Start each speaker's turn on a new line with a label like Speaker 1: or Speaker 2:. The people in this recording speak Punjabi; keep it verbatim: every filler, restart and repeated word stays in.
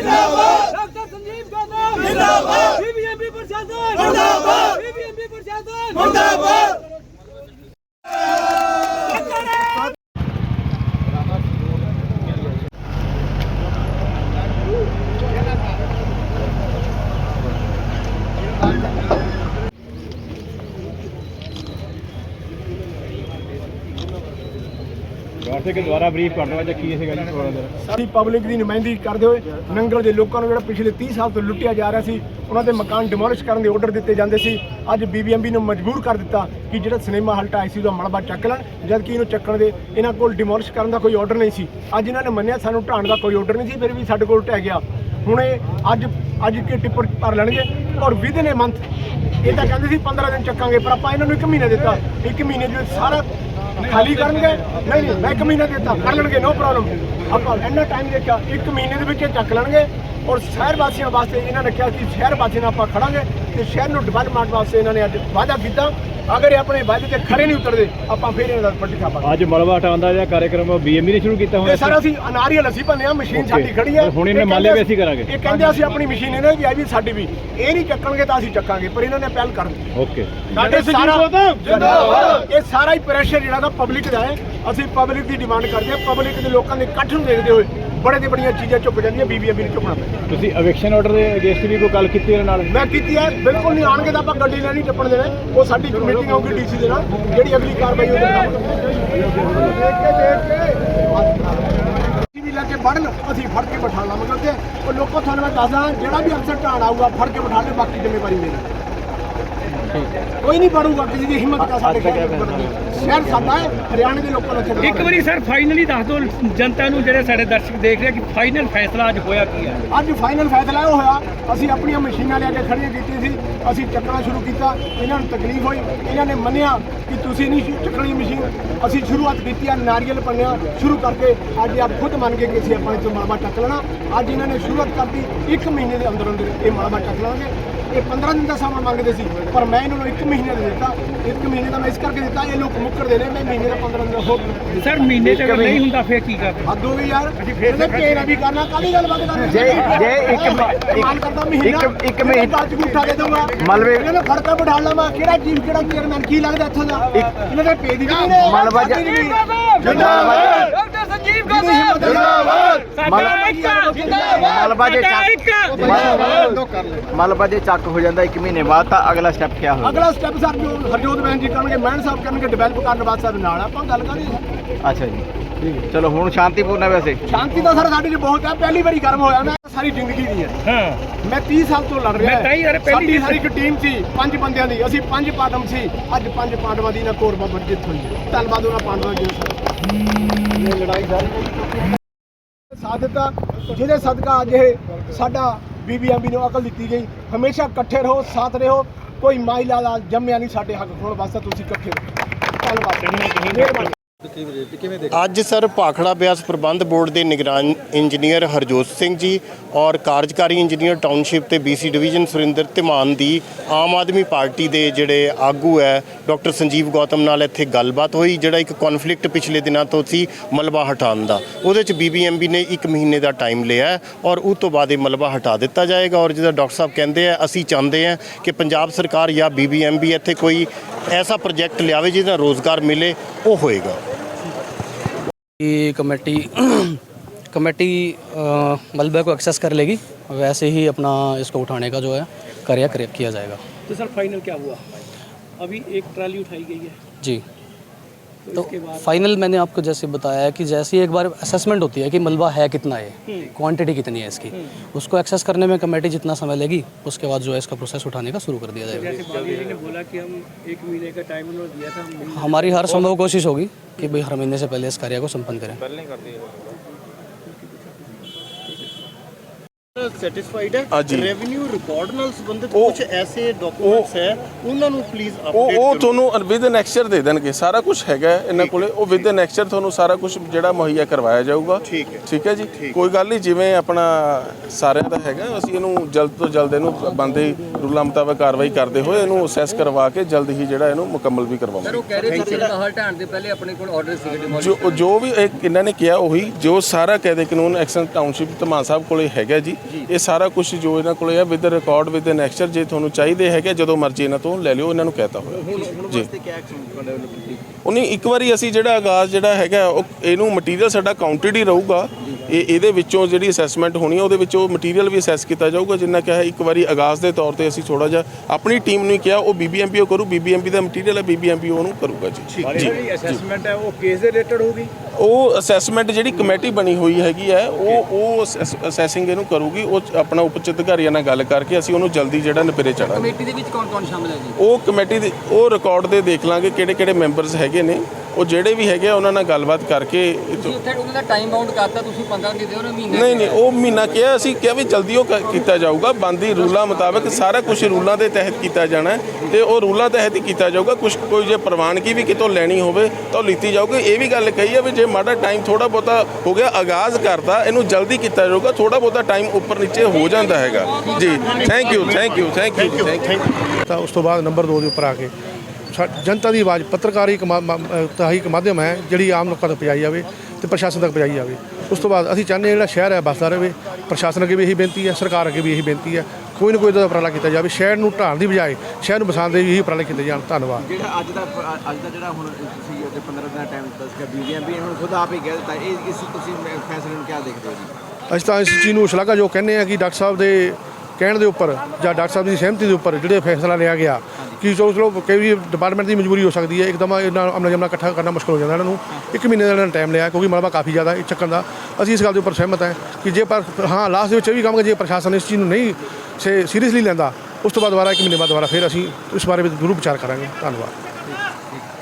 Speaker 1: डॉक्टर संजीव गौतम जिंदाबाद, बीबीएमपी प्रशासन जिंदाबाद, बीबीएमपी प्रशासन जिंदाबाद।
Speaker 2: ਦੁਆਰਾ ਬਰੀਫ ਕਰ ਦਵਾਂ ਜਾਂ ਕੀ ਇਹ ਗੱਲ
Speaker 3: ਸਾਡੀ ਪਬਲਿਕ ਦੀ ਨੁਮਾਇੰਦਗੀ ਕਰਦੇ ਹੋਏ ਨੰਗਲ ਦੇ ਲੋਕਾਂ ਨੂੰ ਜਿਹੜਾ ਪਿਛਲੇ ਤੀਹ ਸਾਲ ਤੋਂ ਲੁੱਟਿਆ ਜਾ ਰਿਹਾ ਸੀ, ਉਹਨਾਂ ਦੇ ਮਕਾਨ ਡਿਮੋਲਿਸ਼ ਕਰਨ ਦੇ ਆਰਡਰ ਦਿੱਤੇ ਜਾਂਦੇ ਸੀ। ਅੱਜ ਬੀਬੀਐਮਬੀ ਨੂੰ ਮਜਬੂਰ ਕਰ ਦਿੱਤਾ ਕਿ ਜਿਹੜਾ ਸਿਨੇਮਾ ਹਾਲ ਢਾਈ ਸੀ ਉਹਦਾ ਮਲਬਾ ਚੱਕ ਲੈਣ, ਜਦਕਿ ਇਹਨੂੰ ਚੱਕਣ ਦੇ ਇਹਨਾਂ ਕੋਲ ਡਿਮੋਲਿਸ਼ ਕਰਨ ਦਾ ਕੋਈ ਆਰਡਰ ਨਹੀਂ ਸੀ। ਅੱਜ ਇਹਨਾਂ ਨੇ ਮੰਨਿਆ ਸਾਨੂੰ ਢਾਣ ਦਾ ਕੋਈ ਆਰਡਰ ਨਹੀਂ ਸੀ, ਫਿਰ ਵੀ ਸਾਡੇ ਕੋਲ ਢਹਿ ਗਿਆ। ਹੁਣ ਇਹ ਅੱਜ ਅੱਜ ਕੇ ਟਿੱਪਰ ਭਰ ਲੈਣਗੇ ਔਰ ਵਿਦਨ ਏ ਮੰਥ, ਇਹ ਤਾਂ ਕਹਿੰਦੇ ਸੀ ਪੰਦਰਾਂ ਦਿਨ ਚੱਕਾਂਗੇ, ਪਰ ਆਪਾਂ ਇਹਨਾਂ ਨੂੰ ਇੱਕ ਮਹੀਨਾ ਦਿੱਤਾ। ਇੱਕ ਮਹੀਨੇ ਦੇ ਵਿੱਚ ਸਾਰਾ ਖਾਲੀ ਕਰਨਗੇ। ਨਹੀਂ ਨਹੀਂ ਮੈਂ ਇੱਕ ਮਹੀਨਾ ਦਿੱਤਾ, ਕਰ ਲੈਣਗੇ, ਨੋ ਪ੍ਰੋਬਲਮ। ਆਪਾਂ ਇੰਨਾ ਟਾਈਮ ਦੇਖਿਆ, ਇੱਕ ਮਹੀਨੇ ਦੇ ਵਿੱਚ ਇਹ ਚੱਕ ਲੈਣਗੇ। ਔਰ ਸ਼ਹਿਰ ਵਾਸੀਆਂ ਵਾਸਤੇ ਇਹਨਾਂ ਨੇ ਕਿਹਾ ਕਿ ਸ਼ਹਿਰ ਵਾਸੀਆਂ ਨਾਲ ਆਪਾਂ ਖੜਾਂਗੇ ਤੇ ਸ਼ਹਿਰ ਨੂੰ ਡਿਵੈਲਪਮੈਂਟ ਵਾਸਤੇ ਇਹਨਾਂ ਨੇ ਅੱਜ ਵਾਅਦਾ ਕੀਤਾ। ਅਗਰ ਇਹ ਆਪਣੇ ਵਾਅਦੇ ਤੇ ਖਰੇ ਨਹੀਂ ਉਤਰਦੇ, ਆਪਾਂ ਫਿਰ ਇਹਨਾਂ ਦਾ ਪੱਟੀ ਖਾਵਾਂਗੇ।
Speaker 2: ਅੱਜ ਮਲਬਾ ਹਟਾਉਣ ਦਾ ਜਿਹੜਾ ਕਾਰਜਕ੍ਰਮ ਬੀਐਮਬੀ ਨੇ ਸ਼ੁਰੂ ਕੀਤਾ ਹੋਇਆ,
Speaker 3: ਸਾਰਾ ਅਸੀਂ ਅਨਾਰੀਅਲ ਅਸੀਂ ਭੰਨਿਆ, ਮਸ਼ੀਨ ਸਾਡੀ ਖੜੀ ਹੈ।
Speaker 2: ਹੁਣ ਇਹਨੇ ਮੰਨ ਲਿਆ ਵੀ ਅਸੀਂ ਕਰਾਂਗੇ।
Speaker 3: ਇਹ ਕਹਿੰਦੇ ਅਸੀਂ ਆਪਣੀ ਮਸ਼ੀਨ ਇਹਨਾਂ ਦੀ ਵੀ ਸਾਡੀ ਵੀ, ਇਹ ਨਹੀਂ ਚੱਕਣਗੇ ਤਾਂ ਅਸੀਂ ਚੱਕਾਂਗੇ, ਪਰ ਇਹਨਾਂ ਨੇ ਪਹਿਲ ਕਰ ਦਿੱਤੀ।
Speaker 2: ਓਕੇ,
Speaker 3: ਸਾਡੇ ਸਾਰਾ ਜਿੰਦਾਬਾਦ। ਇਹ ਸਾਰਾ ਹੀ ਪ੍ਰੈਸ਼ਰ ਜਿਹੜਾ ਦਾ ਪਬਲਿਕ ਦਾ ਹੈ। ਅਸੀਂ ਪਬਲਿਕ ਦੀ ਡਿਮਾਂਡ ਕਰਦੇ ਹਾਂ। ਪਬਲਿਕ ਦੇ ਲੋਕਾਂ ਦੇ ਇਕੱਠ ਨੂੰ ਦੇਖਦੇ ਹੋਏ ਬੜੇ ਤੇ ਬੜੀਆਂ ਚੀਜ਼ਾਂ ਚੁੱਕ ਜਾਂਦੀਆਂ, ਬੀਬੀਐਮਬੀ ਨੂੰ ਚੁੱਕਣਾ ਪੈਂਦਾ।
Speaker 2: ਤੁਸੀਂ ਐਵਿਕਸ਼ਨ ਆਰਡਰ ਦੇ ਅਗੇਂਸਟ ਵੀ ਕੋਈ ਗੱਲ ਕੀਤੀ ਇਹਨਾਂ ਨਾਲ?
Speaker 3: ਮੈਂ ਕੀਤੀ ਹੈ, ਬਿਲਕੁਲ ਨਹੀਂ ਆਣਗੇ ਤਾਂ ਆਪਾਂ ਗੱਡੀ ਨਾਲ ਨਹੀਂ ਟੱਪਣ ਦੇਣਾ। ਉਹ ਸਾਡੀ ਇੱਕ ਮੀਟਿੰਗ ਹੋਊਗੀ ਡੀਸੀ ਦੇ ਨਾਲ, ਜਿਹੜੀ ਅਗਲੀ ਕਾਰਵਾਈ ਉਹਦੇ ਨਾਲ ਦੇਖ ਕੇ ਦੇਖ ਕੇ ਵੀ ਲੈ ਕੇ ਵੜਨ, ਅਸੀਂ ਫੜ ਕੇ ਬਿਠਾ ਲਾਂਗੇ। ਮਤਲਬ ਕਿ ਉਹ ਲੋਕੋ ਤੁਹਾਨੂੰ ਮੈਂ ਦੱਸਦਾ, ਜਿਹੜਾ ਵੀ ਅਫਸਰ ਢਾਣ ਆਊਗਾ ਫੜ ਕੇ ਬਿਠਾ ਲੈ, ਬਾਕੀ ਜ਼ਿੰਮੇਵਾਰੀ ਮੇਰੀ। ਕੋਈ ਨਹੀਂ ਪੜੂਗਾ, ਕਿਸੇ ਦੀ ਹਿੰਮਤ ਦਾ ਸਾਡੇ ਸ਼ਹਿਰ ਸਾਡਾ ਹੈ, ਹਰਿਆਣੇ ਦੇ ਲੋਕਾਂ ਨੂੰ।
Speaker 4: ਇੱਕ ਵਾਰੀ ਸਰ ਫਾਈਨਲੀ ਦੱਸ ਦਿਓ ਜਨਤਾ ਨੂੰ, ਜਿਹੜੇ ਸਾਡੇ ਦਰਸ਼ਕ ਦੇਖ ਰਹੇ, ਕਿ ਫਾਈਨਲ ਫੈਸਲਾ ਅੱਜ ਹੋਇਆ ਕੀ ਹੈ?
Speaker 3: ਅੱਜ ਫਾਈਨਲ ਫੈਸਲਾ ਇਹ ਹੋਇਆ, ਅਸੀਂ ਆਪਣੀਆਂ ਮਸ਼ੀਨਾਂ ਲਿਆ ਕੇ ਖੜੀਆਂ ਕੀਤੀਆਂ ਸੀ, ਅਸੀਂ ਚੱਕਣਾ ਸ਼ੁਰੂ ਕੀਤਾ। ਇਹਨਾਂ ਨੂੰ ਤਕਲੀਫ ਹੋਈ, ਇਹਨਾਂ ਨੇ ਮੰਨਿਆ ਕਿ ਤੁਸੀਂ ਨਹੀਂ ਚੱਕਣੀ ਮਸ਼ੀਨ। ਅਸੀਂ ਸ਼ੁਰੂਆਤ ਕੀਤੀ ਆ ਨਾਰੀਅਲ ਪੰਨਿਆ ਸ਼ੁਰੂ ਕਰਕੇ। ਅੱਜ ਆਪ ਖੁਦ ਮੰਨ ਗਏ ਕਿ ਅਸੀਂ ਆਪਣੇ ਤੋਂ ਮਲਬਾ ਚੱਕ ਲੈਣਾ। ਅੱਜ ਇਹਨਾਂ ਨੇ ਸ਼ੁਰੂਆਤ ਕਰਤੀ, ਇੱਕ ਮਹੀਨੇ ਦੇ ਅੰਦਰ ਅੰਦਰ ਇਹ ਮਲਬਾ ਚੱਕ ਲਾਂਗੇ। ਇਹ ਪੰਦਰਾਂ ਦਿਨ ਦਾ ਸਮਾਂ ਮੰਗਦੇ ਸੀ, ਪਰ ਮੈਂ ਇਹਨਾਂ ਨੂੰ ਇੱਕ ਮਹੀਨੇ ਦਾ ਦਿੱਤਾ। ਇੱਕ ਮਹੀਨੇ ਦਾ ਮੈਂ ਇਸ ਕਰਕੇ ਦਿੱਤਾ, ਇਹ ਲੋਕ ਮੁੱਕਰਦੇ ਨੇ, ਮੈਂ ਮਹੀਨੇ ਦਾ ਪੰਦਰਾਂ ਦਿਨ ਹੋਰ।
Speaker 4: ਸਰ ਮਹੀਨੇ ਚ ਅਗਰ ਨਹੀਂ ਹੁੰਦਾ ਫਿਰ ਕੀ ਕਰਦੇ?
Speaker 3: ਹੱਦ ਹੋ ਗਈ ਯਾਰ, ਇਹਨੇ ਪੇਰਾ ਵੀ ਕਰਨਾ, ਕਾਹਦੀ ਗੱਲ ਬਾਤ ਕਰਨੀ। ਜੇ ਜੇ ਇੱਕ ਮਾਨ ਕਰਦਾ ਮਹੀਨਾ ਇੱਕ ਇੱਕ ਮਹੀਨੇ ਬਾਅਦ ਝੂਠਾ ਦੇ ਦਊਗਾ ਮਲਬੇ, ਇਹਨਾਂ ਨੂੰ ਫੜ ਕੇ ਬਿਠਾ ਲਵਾਂ। ਕਿਹੜਾ ਚੀਫ, ਕਿਹੜਾ ਚੇਅਰਮੈਨ, ਕੀ ਲੱਗਦਾ ਇੱਥੋਂ ਦਾ? ਇਹਨਾਂ ਦੇ ਪੇ ਦੀ ਜ਼ਮੀਨ ਹੈ। ਮਲਬਾ ਜਿੰਦਾਬਾਦ,
Speaker 1: डॉक्टर संजीव गौतम
Speaker 3: ਜਿੰਦਾਬਾਦ।
Speaker 5: ਮਲਬਾ ਜੇ ਚੱਕ ਮਲਬਾ ਜੇ ਚੱਕ ਹੋ ਜਾਂਦਾ ਇੱਕ ਮਹੀਨੇ ਬਾਅਦ, ਤਾਂ ਅਗਲਾ ਸਟੈਪ ਕੀ ਹੋਊਗਾ?
Speaker 3: ਅਗਲਾ ਸਟੈਪ ਸਰ ਜੋ ਹਰਜੋਤ ਬਹਿਨ ਜੀ ਕਰਨਗੇ, ਮੈਨ ਸਾਹਿਬ ਕਰਨਗੇ, ਡਿਵੈਲਪ ਕਰਨ ਵਾਸਤੇ ਸਾਡੇ ਨਾਲ ਆਪਾਂ ਗੱਲ ਕਰਾਂਗੇ।
Speaker 5: ਅੱਛਾ ਜੀ, ਚਲੋ ਹੁਣ ਸ਼ਾਂਤੀਪੂਰਨ ਹੈ। ਵੈਸੇ
Speaker 3: ਸ਼ਾਂਤੀ ਤਾਂ ਸਰ ਸਾਡੀ ਚ ਬਹੁਤ ਹੈ। ਪਹਿਲੀ ਵਾਰੀ ਗਰਮ ਹੋਇਆ ਮੈਂ ਸਾਰੀ ਜ਼ਿੰਦਗੀ ਦੀ ਹੈ।
Speaker 4: ਹਾਂ,
Speaker 3: ਮੈਂ ਤੀਹ ਸਾਲ ਤੋਂ ਲੜ ਰਿਹਾ।
Speaker 4: ਮੈਂ ਤਾਂ ਹੀ ਯਾਰ ਪਹਿਲੀ
Speaker 3: ਸਾਡੀ ਸਾਰੀ ਇੱਕ ਟੀਮ ਸੀ, ਪੰਜ ਬੰਦਿਆਂ ਦੀ। ਅਸੀਂ ਪੰਜ ਪਾਂਡਵ ਸੀ, ਅੱਜ ਪੰਜ ਪਾਂਡਵਾਂ ਦੀ ਨਾ ਕੋਰਬਾ ਜਿੱਤ ਹੋਈ। ਧੰਨਵਾਦ ਉਹਨਾਂ ਪਾਂਡਵਾਂ ਜੀ ਦਾ। ਇਹ ਲੜਾਈ ਜਾਰੀ ਸਾਥ ਦਿੱਤਾ, ਜਿਹਦੇ ਸਦਕਾ ਅੱਜ ਇਹ ਸਾਡਾ ਬੀਬੀਐਮਬੀ ਨੂੰ ਅਕਲ ਦਿੱਤੀ ਗਈ। ਹਮੇਸ਼ਾ ਇਕੱਠੇ ਰਹੋ, ਸਾਥ ਰਹੋ। ਕੋਈ ਮਾਈਲਾ ਦਾ ਜੰਮਿਆ ਨਹੀਂ ਸਾਡੇ ਹੱਕ ਖੋਣ ਵਾਸਤੇ, ਤੁਸੀਂ ਇਕੱਠੇ ਰਹੋ। ਧੰਨਵਾਦ, ਮਿਹਰਬਾਨੀ।
Speaker 6: ਅੱਜ ਸਰ ਭਾਖੜਾ ਬਿਆਸ ਪ੍ਰਬੰਧ ਬੋਰਡ ਦੇ ਨਿਗਰਾਨ ਇੰਜੀਨੀਅਰ ਹਰਜੋਤ ਸਿੰਘ ਜੀ ਔਰ ਕਾਰਜਕਾਰੀ ਇੰਜੀਨੀਅਰ ਟਾਊਨਸ਼ਿਪ ਤੇ ਬੀਸੀ ਡਿਵੀਜ਼ਨ ਸੁਰਿੰਦਰ ਧੀਮਾਨ ਦੀ ਆਮ ਆਦਮੀ ਪਾਰਟੀ ਦੇ ਜਿਹੜੇ ਆਗੂ ਹੈ ਡਾਕਟਰ ਸੰਜੀਵ ਗੌਤਮ ਨਾਲ ਇੱਥੇ ਗੱਲਬਾਤ ਹੋਈ। ਜਿਹੜਾ ਇੱਕ ਕੌਨਫਲਿਕਟ ਪਿਛਲੇ ਦਿਨਾਂ ਤੋਂ ਸੀ ਮਲਬਾ ਹਟਾਉਣ ਦਾ, ਉਹਦੇ 'ਚ ਬੀਬੀਐਮਬੀ ਨੇ ਇੱਕ ਮਹੀਨੇ ਦਾ ਟਾਈਮ ਲਿਆ ਔਰ ਉਸ ਤੋਂ ਬਾਅਦ ਇਹ ਮਲਬਾ ਹਟਾ ਦਿੱਤਾ ਜਾਏਗਾ। ਔਰ ਜਿਹਦਾ ਡਾਕਟਰ ਸਾਹਿਬ ਕਹਿੰਦੇ ਆ, ਅਸੀਂ ਚਾਹੁੰਦੇ ਹਾਂ ਕਿ ਪੰਜਾਬ ਸਰਕਾਰ ਜਾਂ ਬੀਬੀਐਮਬੀ ਇੱਥੇ ਕੋਈ ਐਸਾ ਪ੍ਰੋਜੈਕਟ ਲਿਆਵੇ ਜਿਹਦਾ ਰੋਜ਼ਗਾਰ ਮਿਲੇ, ਉਹ ਹੋਏਗਾ।
Speaker 7: ये कमेटी कमेटी मलबे को एक्सेस कर लेगी, वैसे ही अपना इसको उठाने का जो है कार्य किया जाएगा।
Speaker 4: तो सर फाइनल क्या हुआ? अभी एक ट्राली उठाई गई है
Speaker 7: जी,
Speaker 4: तो,
Speaker 7: तो फाइनल मैंने आपको जैसे बताया है कि जैसे एक बार असेसमेंट होती है कि मलबा है कितना है, क्वांटिटी कितनी है इसकी, उसको एक्सेस करने में कमेटी जितना समय लेगी, उसके बाद जो है इसका प्रोसेस उठाने का शुरू कर दिया जाएगा।
Speaker 4: जैसे बाबू जी ने बोला कि हम एक महीने का टाइम उन्होंने दिया था,
Speaker 7: हमारी हर संभव कोशिश होगी कि भाई हर महीने से पहले इस कार्य को संपन्न करें।
Speaker 6: ਸੈਟੀਸਫਾਈਡ ਹੈ ਰੈਵਨਿਊ ਰਿਕਾਰਡ ਨਾਲ ਸੰਬੰਧਿਤ ਕੁਝ ਐਸੇ ਡਾਕੂਮੈਂਟਸ ਹੈ, ਉਹਨਾਂ ਨੂੰ ਪਲੀਜ਼ ਅਪਡੇਟ
Speaker 8: ਉਹ ਤੁਹਾਨੂੰ ਵਿਦ ਇਨ ਐਕਸਚਰ ਦੇ ਦੇਣਗੇ। ਸਾਰਾ ਕੁਝ ਹੈਗਾ ਇਹਨਾਂ ਕੋਲੇ, ਉਹ ਵਿਦ ਇਨ ਐਕਸਚਰ ਤੁਹਾਨੂੰ ਸਾਰਾ ਕੁਝ ਜਿਹੜਾ ਮੁਹੱਈਆ ਕਰਵਾਇਆ ਜਾਊਗਾ। ਠੀਕ ਹੈ, ਠੀਕ ਹੈ ਜੀ, ਕੋਈ ਗੱਲ ਨਹੀਂ। ਜਿਵੇਂ ਆਪਣਾ ਸਾਰਿਆਂ ਦਾ ਹੈਗਾ, ਅਸੀਂ ਇਹਨੂੰ ਜਲਦ ਤੋਂ ਜਲਦ ਇਹਨੂੰ ਬੰਦੇ ਰੂਲਾਂ ਮੁਤਾਬਕ ਕਾਰਵਾਈ ਕਰਦੇ ਹੋਏ ਇਹਨੂੰ ਅਸੈਸ ਕਰਵਾ ਕੇ ਜਲਦ ਹੀ ਜਿਹੜਾ ਇਹਨੂੰ ਮੁਕੰਮਲ ਵੀ ਕਰਵਾਵਾਂਗੇ।
Speaker 9: ਸਰ ਉਹ ਕਹਿ ਰਹੇ ਸੀ ਹਾਲ ਢਾਣ ਦੇ ਪਹਿਲੇ ਆਪਣੇ ਕੋਲ ਆਰਡਰ ਸੀਗੇ
Speaker 8: ਜੋ ਜੋ ਵੀ ਇਹਨਾਂ ਨੇ ਕਿਹਾ ਉਹੀ, ਜੋ ਸਾਰਾ ਕਾਇਦੇ ਕਾਨੂੰਨ ਐਕਸ਼ਨ ਟਾਊਨਸ਼ਿਪ ਧਮਾਨ ਸਾਹਿਬ ਕੋਲੇ ਹੈਗਾ ਜੀ। ਇਹ ਸਾਰਾ ਕੁਝ ਜੋ ਇਹਨਾਂ ਕੋਲ ਹੈ with record with annexure ਜੇ ਤੁਹਾਨੂੰ ਚਾਹੀਦੇ ਹੈਗੇ ਜਦੋਂ ਮਰਜ਼ੀ ਇਹਨਾਂ ਤੋਂ ਲੈ ਲਿਓ, ਇਹਨਾਂ ਨੂੰ ਕਹਿਤਾ ਹੋਇਆ ਜੀ। ਉਹਨੇ ਇੱਕ ਵਾਰੀ ਅਸੀਂ ਜਿਹੜਾ ਆਗਾਜ਼ ਜਿਹੜਾ ਹੈਗਾ ਉਹ ਇਹਨੂੰ ਮਟੀਰੀਅਲ ਸਾਡਾ ਕਾਊਂਟਡ ਹੀ ਰਹੂਗਾ, ਇਹ ਇਹਦੇ ਵਿੱਚੋਂ ਜਿਹੜੀ ਅਸੈਸਮੈਂਟ ਹੋਣੀ ਹੈ ਉਹਦੇ ਵਿੱਚ ਉਹ ਮਟੀਰੀਅਲ ਵੀ ਅਸੈਸ ਕੀਤਾ ਜਾਊਗਾ ਜਿੰਨਾ ਕਿਹਾ ਇੱਕ ਵਾਰੀ ਆਗਾਜ਼ ਦੇ ਤੌਰ ਤੇ ਅਸੀਂ ਥੋੜਾ ਜਿਹਾ ਆਪਣੀ ਟੀਮ ਨੂੰ ਕਿਹਾ ਉਹ ਬੀਬੀਐਮਪੀਓ ਕਰੂ, ਬੀਬੀਐਮਪੀ ਦਾ ਮਟੀਰੀਅਲ ਹੈ ਬੀਬੀਐਮਪੀਓ ਉਹਨੂੰ ਕਰੂਗਾ ਜੀ।
Speaker 2: ਜਿਹੜੀ ਅਸੈਸਮੈਂਟ ਹੈ ਉਹ ਕੇਸ ਦੇ ਰਿਲੇਟਡ ਹੋਊਗੀ?
Speaker 8: ਉਹ ਅਸੈਸਮੈਂਟ ਜਿਹੜੀ ਕਮੇਟੀ ਬਣੀ ਹੋਈ ਹੈਗੀ ਹੈ ਉਹ ਉਹ ਅਸੈਸਿੰਗ ਇਹਨੂੰ ਕਰੂਗੀ, ਉਹ ਆਪਣਾ ਉੱਚ ਅਧਿਕਾਰੀਆਂ ਨਾਲ ਗੱਲ ਕਰਕੇ ਅਸੀਂ ਉਹਨੂੰ ਜਲਦੀ ਜਿਹੜਾ ਨਿਪਰੇ ਚੜਾਂਗੇ।
Speaker 9: ਕਮੇਟੀ ਦੇ ਵਿੱਚ ਕੌਣ ਕੌਣ ਸ਼ਾਮਲ ਹੈ ਜੀ?
Speaker 8: ਉਹ ਕਮੇਟੀ ਦੇ ਉਹ ਰਿਕਾਰਡ ਦੇ ਦੇਖ ਲਾਂਗੇ ਕਿਹੜੇ ਕਿਹੜੇ ਮੈਂਬਰਸ ਹੈਗੇ ਨੇ, ਉਹ ਜਿਹੜੇ ਵੀ ਹੈਗੇ ਆ ਉਹਨਾਂ ਨਾਲ ਗੱਲਬਾਤ ਕਰਕੇ।
Speaker 9: ਤੁਸੀਂ ਉੱਥੇ ਉਹਨਾਂ ਦਾ ਟਾਈਮ ਬਾਉਂਡ ਕਰਤਾ, ਤੁਸੀਂ ਪੰਦਰਾਂ ਦਿਨ ਦਿਓ ਨਾ ਮਹੀਨੇ?
Speaker 8: ਨਹੀਂ ਨਹੀਂ ਉਹ ਮਹੀਨਾ ਕਿਹਾ ਅਸੀਂ ਕਿਹਾ ਵੀ ਜਲਦੀ ਉਹ ਕ- ਕੀਤਾ ਜਾਊਗਾ, ਬੰਦੀ ਰੂਲਾਂ ਮੁਤਾਬਕ ਸਾਰਾ ਕੁਝ ਰੂਲਾਂ ਦੇ ਤਹਿਤ ਕੀਤਾ ਜਾਣਾ ਹੈ ਤੇ ਉਹ ਰੂਲਾਂ ਤਹਿਤ ਹੀ ਕੀਤਾ ਜਾਊਗਾ। ਕੁਝ ਕੋਈ ਜੇ ਪ੍ਰਵਾਨਗੀ ਵੀ ਕਿਤੋਂ ਲੈਣੀ ਹੋਵੇ ਤਾਂ ਉਹ ਲਿੱਤੀ ਜਾਊਗੀ। ਇਹ ਵੀ ਗੱਲ ਕਹੀ ਹੈ ਵੀ ਜੇ ਮਾੜਾ ਟਾਈਮ ਥੋੜਾ ਬਹੁਤਾ ਹੋ ਗਿਆ ਆਗਾਜ਼ ਕਰਦਾ ਇਹਨੂੰ ਜਲਦੀ ਕੀਤਾ ਜਾਊਗਾ, ਥੋੜਾ ਬਹੁਤਾ ਟਾਈਮ ਉੱਪਰ ਨੀਚੇ ਹੋ ਜਾਂਦਾ ਹੈਗਾ ਜੀ। Thank you thank you thank you thank you.
Speaker 3: ਤਾਂ ਉਸ ਤੋਂ ਬਾਅਦ ਨੰਬਰ ਦੋ ਦੇ ਉੱਪਰ ਆ ਕੇ ਸਾ- ਜਨਤਾ ਦੀ ਆਵਾਜ਼ ਪੱਤਰਕਾਰੀ ਇੱਕ ਮਾ- ਮਾ- ਅ, ਤਾਂ ਹੀ ਇੱਕ ਮਾਧਿਅਮ ਹੈ ਜਿਹੜੀ ਆਮ ਲੋਕਾਂ ਤੱਕ ਪਹੁੰਚਾਈ ਜਾਵੇ ਤੇ ਪ੍ਰਸ਼ਾਸਨ ਤੱਕ ਪਹੁੰਚਾਈ ਜਾਵੇ। ਉਸ ਤੋਂ ਬਾਅਦ ਅਸੀਂ ਚਾਹੁੰਦੇ ਹਾਂ ਜਿਹੜਾ ਸ਼ਹਿਰ ਹੈ ਬਸਦਾ ਰਹੇ, ਪ੍ਰਸ਼ਾਸਨ ਅੱਗੇ ਵੀ ਇਹੀ ਬੇਨਤੀ ਹੈ, ਸਰਕਾਰ ਅੱਗੇ ਵੀ ਇਹੀ ਬੇਨਤੀ ਹੈ, ਕੋਈ ਨਾ ਕੋਈ ਦਾ ਉਪਰਾਲਾ ਕੀਤਾ ਜਾਵੇ ਸ਼ਹਿਰ ਨੂੰ ਢਾਣ ਦੀ ਬਜਾਏ ਸ਼ਹਿਰ ਨੂੰ ਬਸਾਉਣ ਦੇ ਵੀ ਇਹੀ ਉਪਰਾਲੇ ਕੀਤੇ ਜਾਣ। ਧੰਨਵਾਦ।
Speaker 5: ਜਿਹੜਾ ਅੱਜ ਦਾ ਅੱਜ ਦਾ ਜਿਹੜਾ ਹੁਣ ਤੁਸੀਂ ਅੱਜ ਪੰਦਰਾਂ ਦਿਨ ਟਾਈਮ ਦਿੱਤਾ ਸੀਗਾ ਬੀਬੀਐਮਪੀ ਹੁਣ ਖੁਦ ਆਪ ਹੀ ਕਹਿ ਦਿੱਤਾ, ਇਹ ਇਸ ਤੁਸੀਂ ਫੈਸਲੇ ਨੂੰ ਕਿਆ ਦੇਖਦੇ ਹੋ ਜੀ?
Speaker 3: ਅਸੀਂ ਤਾਂ ਇਸ ਚੀਜ਼ ਨੂੰ ਸ਼ਲਾਘਾ ਜੋ ਕਹਿੰਦੇ ਆ ਕਿ ਡਾਕਟਰ ਸਾਹਿਬ ਦੇ ਕਹਿਣ ਦੇ ਉੱਪਰ ਜਾਂ ਡਾਕਟਰ ਸਾਹਿਬ ਦੀ ਸਹਿਮਤੀ ਦੇ ਉੱਪਰ ਜਿਹੜੇ ਫੈਸਲਾ ਲਿਆ ਗਿਆ ਕਿ ਚਲੋ ਚਲੋ ਕਈ ਵੀ ਡਿਪਾਰਟਮੈਂਟ ਦੀ ਮਜਬੂਰੀ ਹੋ ਸਕਦੀ ਹੈ, ਇੱਕਦਮ ਇਹਨਾਂ ਅਮਲਾ ਜਮਲਾ ਇਕੱਠਾ ਕਰਨਾ ਮੁਸ਼ਕਲ ਹੋ ਜਾਂਦਾ ਇਹਨਾਂ ਨੂੰ। ਇੱਕ ਮਹੀਨੇ ਦਾ ਇਹਨਾਂ ਨੇ ਟਾਈਮ ਲਿਆ ਕਿਉਂਕਿ ਮਲਬਾ ਕਾਫੀ ਜ਼ਿਆਦਾ ਇਹ ਚੱਕਣ ਦਾ। ਅਸੀਂ ਇਸ ਗੱਲ ਦੇ ਉੱਪਰ ਸਹਿਮਤ ਹਾਂ ਕਿ ਜੇ ਪਰ ਹਾਂ ਲਾਸਟ ਦੇ ਵਿੱਚ ਇਹ ਵੀ ਕਹਾਂਗੇ ਜੇ ਪ੍ਰਸ਼ਾਸਨ ਇਸ ਚੀਜ਼ ਨੂੰ ਨਹੀਂ ਸੇ ਸੀਰੀਅਸਲੀ ਲੈਂਦਾ ਉਸ ਤੋਂ ਬਾਅਦ ਦੁਬਾਰਾ ਇੱਕ ਮਹੀਨੇ ਬਾਅਦ ਦੁਬਾਰਾ ਫਿਰ ਅਸੀਂ ਇਸ ਬਾਰੇ ਵਿੱਚ ਜ਼ਰੂਰ ਵਿਚਾਰ ਕਰਾਂਗੇ। ਧੰਨਵਾਦ।